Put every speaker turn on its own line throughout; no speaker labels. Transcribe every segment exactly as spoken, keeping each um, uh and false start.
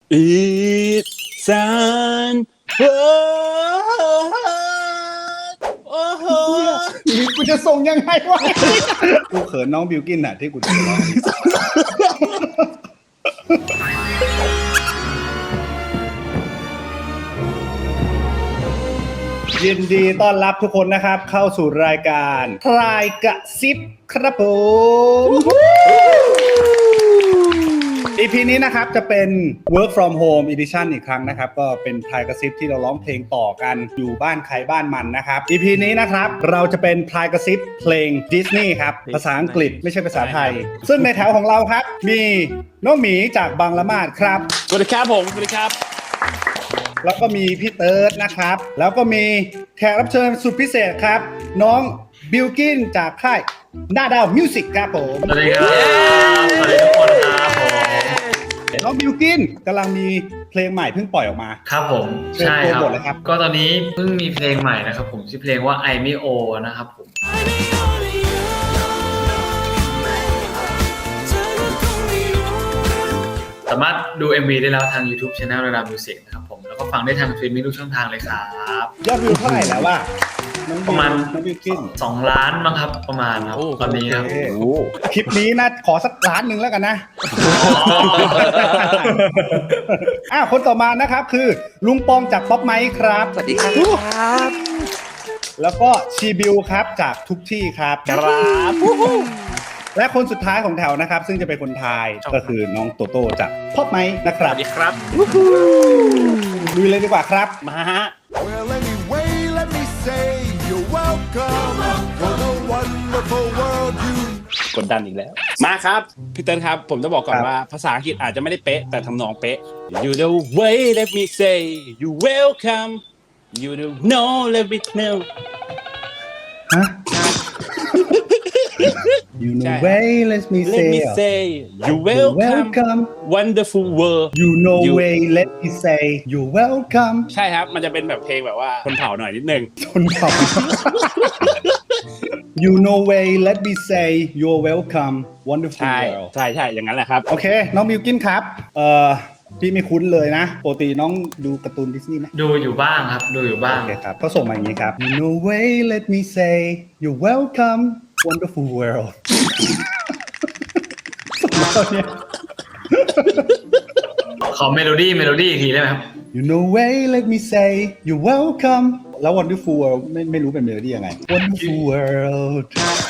It's sun โอ้โห
กูจะส่งยังไงวะกูเขินน้องบิวกินอ่ะที่กูจะร้องยินดีต้อนรับทุกคนนะครับเข้าสู่รายการพลายกระซิบครับผม อี พี นี้นะครับจะเป็น Work from Home Edition อีกครั้งนะครับก็เป็นพลายกระซิบที่เราร้องเพลงต่อกันอยู่บ้านใครบ้านมันนะครับ อี พี นี้นะครับเราจะเป็นพลายกระซิบเพลงดิสนีย์ครับภาษาอังกฤษไม่ใช่ภาษาไทยซึ่งในแถวของเราครับมีน้องหมีจากบางละมาดครับ
สวัสดีครับผมสวัสดีครับ
แล้วก็มีพี่เติร์ดนะครับแล้วก็มีแขกรับเชิญสุดพิเศษครับน้องบิลกินจากค่ายหน้าดาวมิวสิกครับผม
สวัสดีครับสวัสดีทุกคนครับผม
น้องบิลกินกำลังมีเพลงใหม่เพิ่งปล่อยออกมา
ครับผมใช่
ครับ
ก็ตอนนี้เพิ่งมีเพลงใหม่นะครับผมชื่อเพลงว่าไอไม่โอนะครับผมสามารถดู เอ็ม วี ได้แล้วทาง YouTube Channel ระดับมิวสิกนะครับผมแล้วก็ฟังได้ทางสตรีมมิ่งทุกช่องทางเลยครับ
ยอดวิวเท่าไหร่แล้วว่า
ประมาณสองล้านมั้งครับประมาณครับตอนนี้ครับ
คลิปนี้นะขอสักล้านหนึ่งแล้วกันนะอ้าวคนต่อมานะครับคือลุงปองจากป๊อปไมค์ครับ
สวัสดีครับ
แล้วก็ชีบิวครับจากทุกที่ครับ
ครับ
และคนสุดท้ายของแถวนะครับซึ่งจะเป็นคนไทยก็คือน้องโตโต้จากป๊อปไมค์นะครับ
สวัสดีครับ
ดูเลยดีกว่าครับ
มาฮะกดดันอีกแล้วมาครับพี่เติ้ลครับผมจะบอกก่อนว่าภาษาอังกฤษอาจจะไม่ได้เป๊ะแต่ทำนองเป๊ะ You the way let me say you welcome You the know let me know
ฮะ You know way let me say
let me say you welcome wonderful world
You know way let me say you welcome
ใช่ครับมันจะเป็นแบบเพลงแบบว่าคนเผาหน่อยนิดนึง
คนเผาYou know way let me say you're welcome wonderful
ใช่
world
ใช่ใช่อย่างนั้นแหละครับ
โอเคน้องบิวกินครับเอ่อพี่ไม่คุ้นเลยนะปกติน้องดูการ์ตูนดิสนีย์ไหม
ดูอยู่บ้างครับดูอยู่บ้าง
โอเคครับก็ส่งมาอย่างนี้ครับ You know way let me say you're welcome wonderful world ส่งมาเนี่ย
ขอเมโลดี้เมโลดี้อีกทีได้ไหมครับ
You know way let me say you're welcome แล้ว wonderful world ไม่ไม่รู้เป็นเมโลดี้ยังไง wonderful world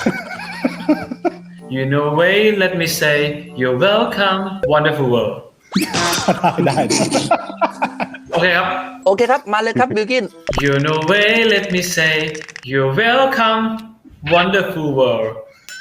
You know way let me say you're welcome wonderful world
ได้ได้
โอเคครับ
โอเคครับมาเลยครับบิลกิน
You know way let me say you're welcome wonderful world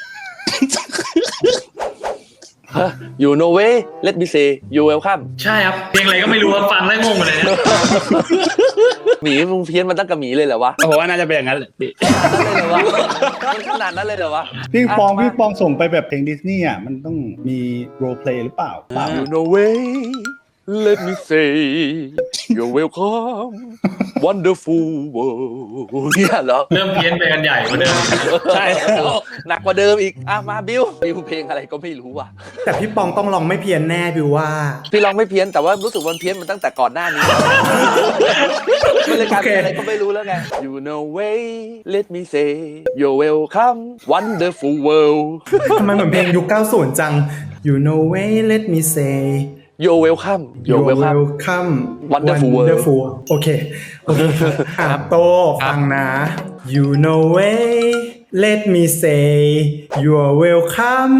You know way let me say you welcome
ใช่ครับเพลงอะไรก็ไม่รู้ครับฟังแล้วงงเลยนะ
หมีมึงเพี้ยนมันตั้งกับหมีเลยเหรอวะ
โอ้โหน่าจะเป็นอย่างนั้นแหละพี่
มันขนาดนั้นเลยเหรอวะ
พี่ปองพี่ปองส่งไปแบบเพลงดิสนีย์อ่ะมันต้องมี role play หรือเปล่า
You know way let me say you're welcome wonderful world เนี่ยเหรอ
เริ่มเพี้ยนไปกันใหญ่กว่าเดิม
ใช่หนักกว่าเดิมอีกอ่ะมาบิวบิวเพลงอะไรก็ไม่รู้ว่ะ
แต่พี่ปองต้องลองไม่เพี้ยนแน่บิวว่า
พี่ลองไม่เพี้ยนแต่ว่ารู้สึกวันเพี้ยนมันตั้งแต่ก่อนหน้านี้มันเลยกลายเป็นอะไรก็ไม่รู้แล้วไง You know way let me say you're welcome wonderful world
ทำไมเหมือนเพลงยุคเก้าสิบจัง You know way let me say
You're welcome
You're welcome
Wonderful world
โอเคโอเคครับโตฟังนะ You know way let me say You're welcome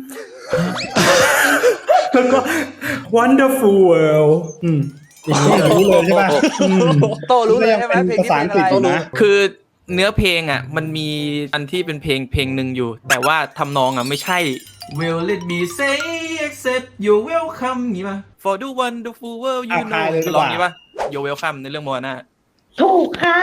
แล้วก็ Wonderful world อืม
อย่างนี้รู้เลยใช่ป่ะ
โตรู้เลยใช่ไหมเพลงนี้เป็นอะไร
นะคือเนื้อเพลงอ่ะมันมีอันที่เป็นเพลงเพลงหนึ่งอยู่แต่ว่าทำนองอ่ะไม่ใช่ Will let me say accept you're welcome งี้ป่ะ For the wonderful world you know ลองงี้ป่ะ You're welcome ในเรื่องโมนา
ถูกค่ะ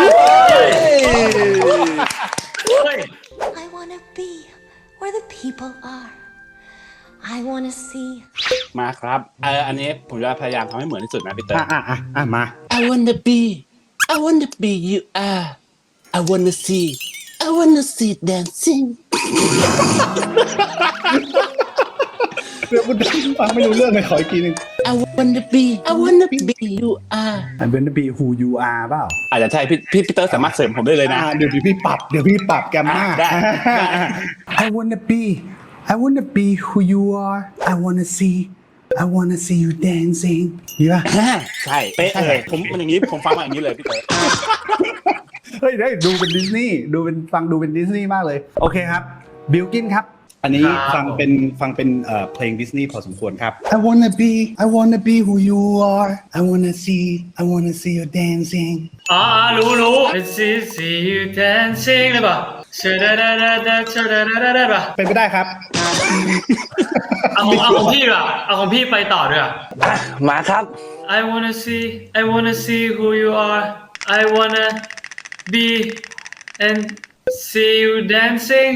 I wanna be where the people are I wanna see
มาครับเอออันนี้ผมจะพยายามทำให้เหมือนที่สุดนะพี่เต๋อ
อ่ะอ่ะอ่ะมา
I wanna be I wanna be you are I wanna see I wanna see dancing
เรื่องคุณฟังไม่รู้เรื่องเลยขออีกทีนึง
I wanna be I wanna be you are
อันเป็นบี who you are เปล่า
อาจจะใช่พี่พี่พี่เตอร์สามารถเสริมผมได้เลยนะ
อ่าเดี๋ยวพี่ปรับเดี๋ยวพี่ปรับแกมมา
ได้ได้
I wanna be I wanna be who you are I wanna see I wanna see you dancing ดีป่ะ
ใช่เป๊ะเลยผมมันอย่างนี้ผมฟังมาอย่างนี้เลยพี่เตอร์
เฮ้ยได้ดูเป็นดิสนีย์ดูเป็นฟังดูเป็นดิสนีย์มากเลย โอเคครับบิลกินครับ อันนี้
ครับ
ฟังเป็นฟังเป็นเอ่อเพลงดิสนีย์พอสมควรครับ I wanna be I wanna be who you are I wanna see I wanna see you dancing
อ๋อรู้รู้ I see see you dancing เลยป่ะเชิดดาดาดาดาเชิดดาดาดาดาป่ะ
เป็นไปได้ครับ
เอาของเอาของพี่ป่ะเอาของพี่ไปต่อด้วยอ่ะ
มาครับ
I wanna see I wanna see who you are I wanna be and see you dancing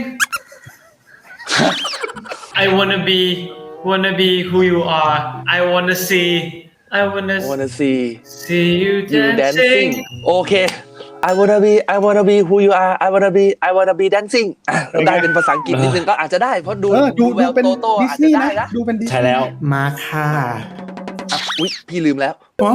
I wanna be wanna be who you are I wanna see I wanna
I wanna see
see you
you dancing
dancing
โอเค I wanna be I wanna be who you are I wanna be I wanna be dancing อ่ะได้เป็นภาษาอังกฤษนิดนึงก็อาจจะได้เพราะดู
เออดู
แว
ดู
ว
เป็น
โตโต้
ดิส
อาจ
นี
จะ
ย์
ได้
นะ
นะ
ดูเป็นดิสนีย์
ใช่แล้ว
มาค่ะ
อ่ะอุ๊ยพี่ลืมแล้ว
ว้าว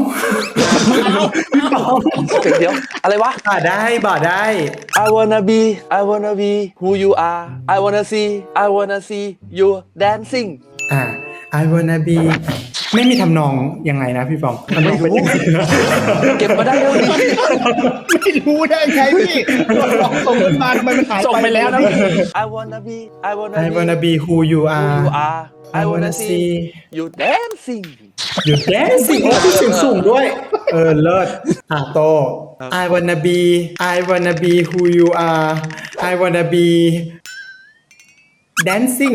เดี๋ยวเดี๋ยวอะไรวะ
บ่ได้บ่ได้
I wanna be I wanna be who you are I wanna see I wanna see you dancing
อ่า I wanna be ไม่มีทำนองยังไงนะพี่ฟองทำนองเป็นยังไง
เก็บมาได้แล้วดิ
ไม่รู้ได้ไงพี่ลองส่งมันมาทำไมมันหายไป
ส่งไปแล้วนะพี่
I wanna be I wanna
I
be
wanna be who you
who
are
you are I wanna see you dancing
หยุดแดนสิโอ้คือเสียงสูงด้วย เออ เลิศอ่ะโต I wanna be I wanna be who you are I wanna be dancing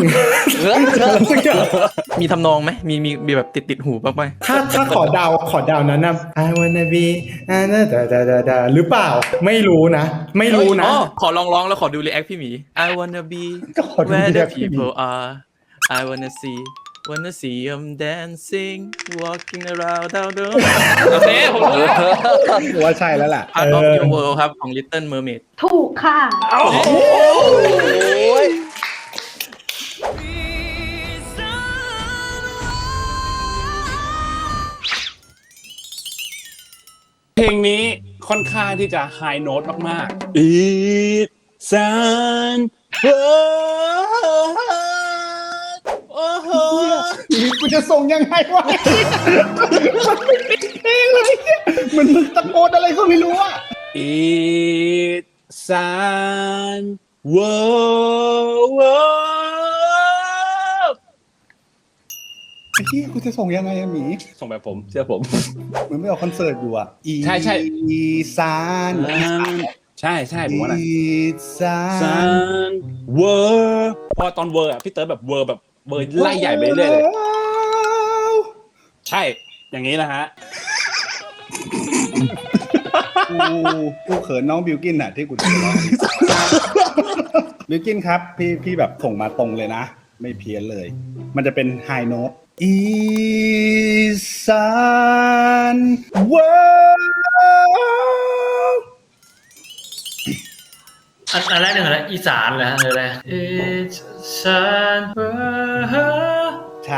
มีทำนองไหมมีมีมีแบบติดติดหูบ้างไหม
ถ้าถ้าขอเดาขอเดานะนะ I wanna be อ่านะดาดาดาดาหรือเปล่า ไม่รู้นะ ไม่รู้นะ
อ๋อขอลองร้องแล้วขอดูรีแอคพี่หมี I wanna be
ก็ขอดู
where the
react พี่หมี
people are I wanna see wanna see them dancing walking around down the โอเคผมรู้แล้ว
ผมว่าใช่แล้วล่ะ
Part of your world ครับของ Little Mermaid
ถูกค่ะ
โอ้ย
เพลงนี้ค่อนข้างที่จะไฮโน้ตมากๆ It's sun โอ้โห
นี่กูจะส่งยังไงวะมันไม่เป็นเพลงเลยมันมึงตะโกนอะไรก็ไม่รู้อะ
It's sun world
ไอ้เหี้ยกูจะส่งยังไงอะหมี
ส่งแบบผมเชื่อผม
มันไม่ออกคอนเสิร์ตอยู่อะอี
ใช่ใช่
อีสาน
ใช่ใช่ผมว่านะ
อีสาน
sun world พอตอนเวอร์อะพี่เต๋อแบบเวอร์แบบเวอร์ไล่ใหญ่ไปเรื่อยเลย ใช่ อย่างนี้นะฮะ
กูกูเขินน้องบิวกินอะที่กูจะร้องบิวกินครับพี่พี่แบบส่งมาตรงเลยนะ ไม่เพี้ยนเลย มันจะเป็นไฮโน้ตอีสานเวิลด์
อันอันแรกหนึ่งอะไรอีสานเหรอหรืออะไร It's sun world
ใช่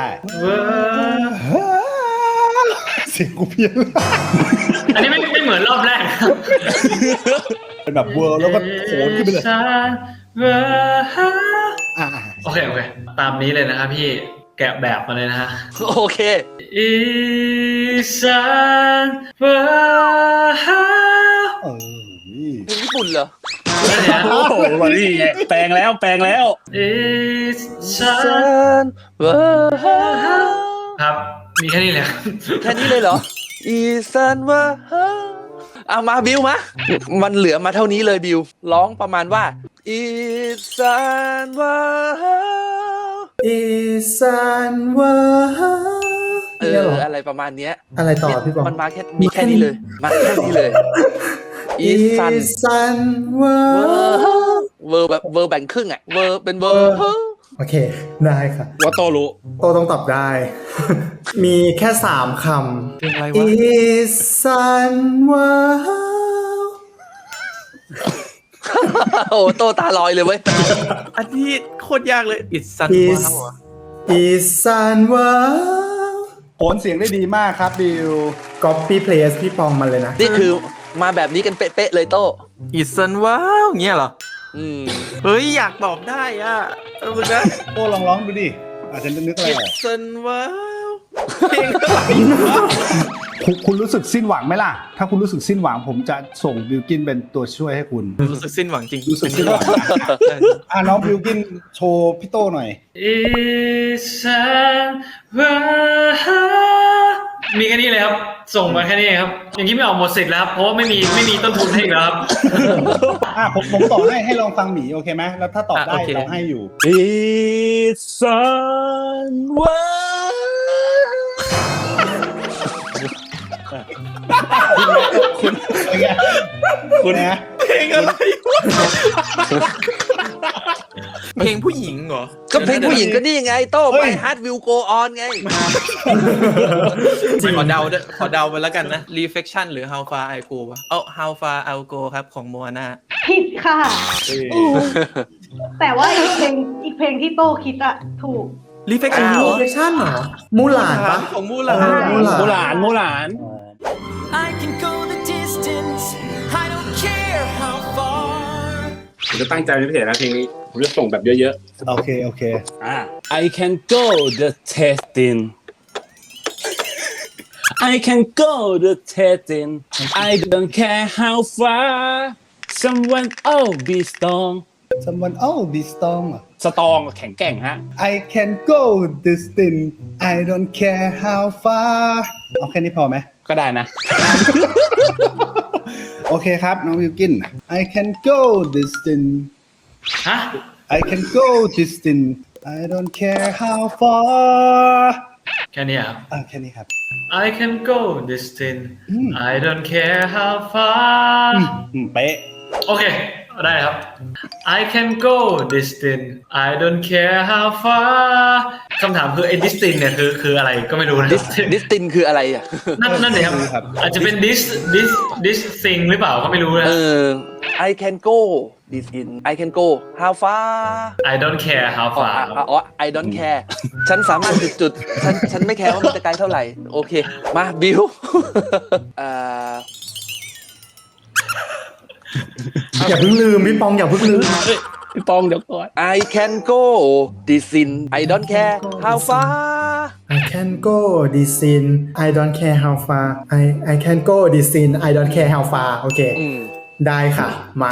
world
เสียงกูเพี้ยน
อันนี้ไม่ไม่เหมือนรอบแรก
เป็นแบบเวิลด์แล้วก็โขนขึ้นไปเลย
It's sun world
อ่า
โอเคโอเคตามนี้เลยนะครับพี่แกะแบบมาเลยนะฮะ
โอเค
อีสานworld
เออนี่
เพลงญี่ปุ่นเหรอ
นั่นเนี่ย
โอ้โหวันนี้ไงแปลงแล้วแปลงแล้ว
It's sun
Sun world
ครับ มีแค่นี้เลยครับ
แค่นี้เลยเหรอ อีสันว่าเอามาบิวมา มันเหลือมาเท่านี้เลยบิว ร้องประมาณว่า อีสันว่า
Is sun world
เอ
เนี่ย
อ
เหรอ
อะไรประมาณเนี้ย
อะไรต่อพี่บอล
มันมาแค่มีแค่นี้เลย มาแค่นี้เลย อีสัน
Is sun world
เวอร์แบบเวอร์แบ่งครึ่งอ่ะ เวอร์เป็นเวอร์
โอเค ได้ค่ะ
ว่าโตรู้
โตต้องตอบได้ มีแค่สามค
เพลงอะไร
ำ
วะ
Is sun world
โอ้โตตาลอยเลยเว้ย
อันที่โคตรยากเลย It's Sun
Is
Wow อะ
Is sun world
โหนเสียงได้ดีมากครับบิว
copy place พี่ปองมาเลยนะ
นี่คือมาแบบนี้กันเป๊ะๆเลยโต้
อิสันว้าวเงี้ยเหรอ
อืม
เฮ้ย อยากตอบได้อ่ะเออนะ
โต้ลองร้องดูดิ อาจจะนึกอะไร
อิ
ออก
สันว้าวเพลง
คุณคุณรู้สึกสิ้นหวังไหมล่ะ ถ้าคุณรู้สึกสิ้นหวังผมจะส่งบิวกินเป็นตัวช่วยให้คุณ
รู้สึกสิ้นหวังจริง
รู้สึกสิ้นหวังอ่ะน้องบิวกินโชว์พี่โต้หน่อย
Isanว้ามีแค่นี้เลยครับ ส่งมาแค่นี้ครับ อย่างนี้ไม่ออกหมดสิทธิ์แล้วครับเพราะว่าไม่มีไม่มีต้นทุนให้อีกแล้วครับ
อ่ะผมผมต่อให้ให้ลองฟังหมีโอเคไหมแล้วถ้าตอบได้เราให้อยู่
It's sunward
คุณเป็นไงคุณนะ
เพลงอะไรวะเพลงผู้หญิงเหรอ
ก็เพลงผู้หญิงก็นี่ไงโต้ไป Heart Will Go On ไง
ขอเดาด้วยขอเดาไปแล้วกันนะ Reflection หรือ How Far I Go วะเอ้า How Far I'll Go ครับของโมอาน่า
ผิดค่ะ แต่ว่าอีกเพลงอีกเพลงที่โต้คิดอะถูก
Reflection เหรอ
reflection เหรอมูหลานปะ
ของมูหลา
เออน มูหลาน
โมหลานโมหลาน
I can go the distance. I don't care how far.
ผมจะตั้งใจเป็นพิเศษนะเพลงนี้ผมจะส่งแบบเยอะ
โอเคโอเค
ๆอ่า I can go the testing I can go the testing I don't care how far someone oh be strong
someone oh be strong
สตรองแข็งแกร่งฮะ
I can go distant I don't care how far เอาแค่นี้พอไหม
ก็ได้นะ
โอเคครับ น้องวิวกิน I can go distant
ฮะ
I can go distant I don't care how far
แค่นี้ครับ
อ่ะแค่นี้ครับ
I can go distant
อืม
I don't care how far
อืมเป๊ะ
โอเค ได้ครับ I can go distant I don't care how far คำถามคือไอ้ distant เนี่ยคือคืออะไรก็ไม่รู้นะ
ดิสดิสตินคืออะไรอ่ะ
นั่นนั่นเลยครับ อาจจะเป็น this this this thing หรือเปล่าก็ไม่รู้นะ
เออ I can go this in I can go how far
I don't care how
อ๋อ
far
อ๋ออ๋อ I don't care ฉันสามารถจุดจุดๆฉันฉันไม่แคร์ว่ามันจะไกลเท่าไหร่ โอเค มาบิวเอ่อ
อย่าเพิ่งลืมพี่ปองอย่าเพิ่งลืม
พี่ปองเดี๋ยวก่อน
I can go this in I don't care how far
I can go this in I don't care how far I I can go this in I don't care how far โอเค
อืม
ได้ค่ะ มา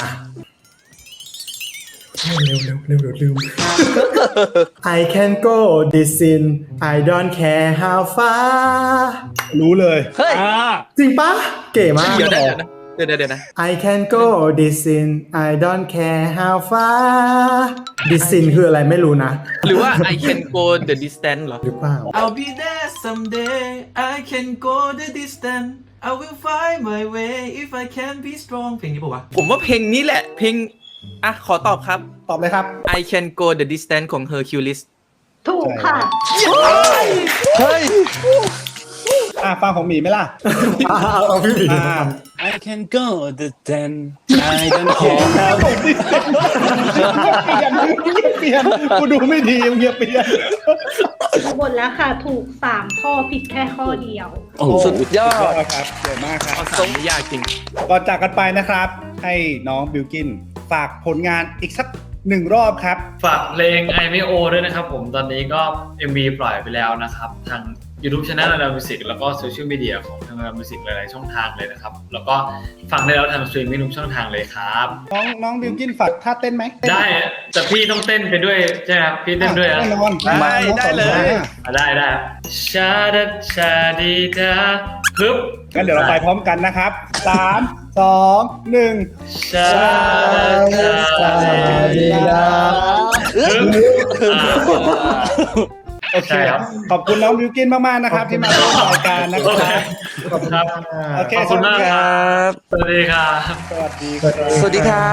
เร็วเร็วเร็วเร็วลืม I can go this in I don't care how far
รู้เลย
เฮ้ย
อ่า
จริงปะเก๋มาก
เดี๋ยวนะเดี๋ยวนะเดี๋ยวเดี๋ยวนะ
I can go this in I don't care how far this in คืออะไรไม่รู้นะ
หรือว่า I can go the distance เหรอ
หรือเปล่า
I'll be there someday I can go the distance I will find my way if I can be strong เพลงนี้ป่าวะผมว่าเพลงนี้แหละ เพลงอ่ะขอตอบครับ
ตอบเลยครับ
I can go the distance ของ Hercules
ถูกค่ะ
เฮ้ย
อ่ะฟังของหมีไหมล่ะ
เอาพี่บี
อ่า
I can go the ten I don't care how
เปลี่ยนเปลี่ยนกูดูไม่ดีมึงอย่าเปลี่ยน
หมดแล้วค่ะ ถูกสามข้อผิดแค่ข้อเดียว
โอ้โห
สุดยอด
ครับเก่งมากครับ
เอาสามนี่ยากจริง
ก่อนจากกันไปนะครับ ให้น้องบิวกิน ฝากผลงานอีกสักหนึ่งรอบครับ
ฝากเพลง I ไม่โอด้วยนะครับผมตอนนี้ก็ เอ็ม วี ปล่อยไปแล้วนะครับ ทาง YouTube Channel ระดับมิวสิกแล้วก็โซเชียลมีเดียของทางระดับมิวสิกหลายๆช่องทางเลยนะครับ แล้วก็ฟังได้แล้วทางสตรีมมิ่งทุกช่องทางเลยครับ
น้องน้องบิวกินฝากท่าเต้นไหมเต้น
ได้แต่พี่ต้องเต้นไปด้วยใช่ไหมครับพี่เต้นด้วยนะ
แน่นอน
ได้ได้เลย
อ่ะได้ได้ชาดัดชาดีดาปึ๊บ
งั้นเดี๋ยวเราไปพร้อมกันนะครับสามสองหนึ่ง
ชาดัดชาดีดาปึ๊บอ่า
โอเค
ใช่ครับ
ขอบคุณน้องบิวกินมากๆนะครับ ที่มาร่วมรายการนะค
โอเค
รับ
ขอบคุณครับ
โอเค
ขอบคุณมากครับ สวัสดีครับ
สวัสดีครับ
สวัสดีครับ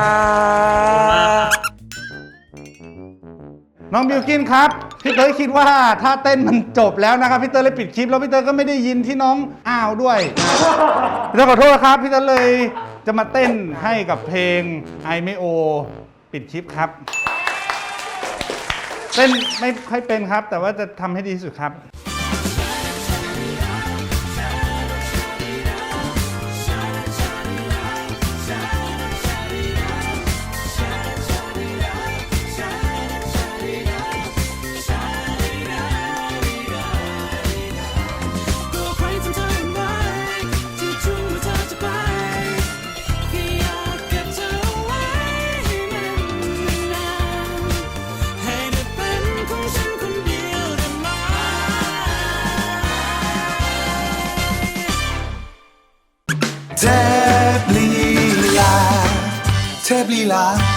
น้องบิวกินครับ พี่เตยคิดว่าถ้าเต้นมันจบแล้วนะครับ พี่เตยเลยปิดคลิปแล้วพี่เตยก็ไม่ได้ยินที่น้องอ้าวด้วย พี่เตยขอโทษครับ พี่เตยเลยจะมาเต้นให้กับเพลงไอไม่โอปิดคลิปครับ เต้นไม่ค่อยเป็นครับ แต่ว่าจะทำให้ดีที่สุดครับ
ลีลา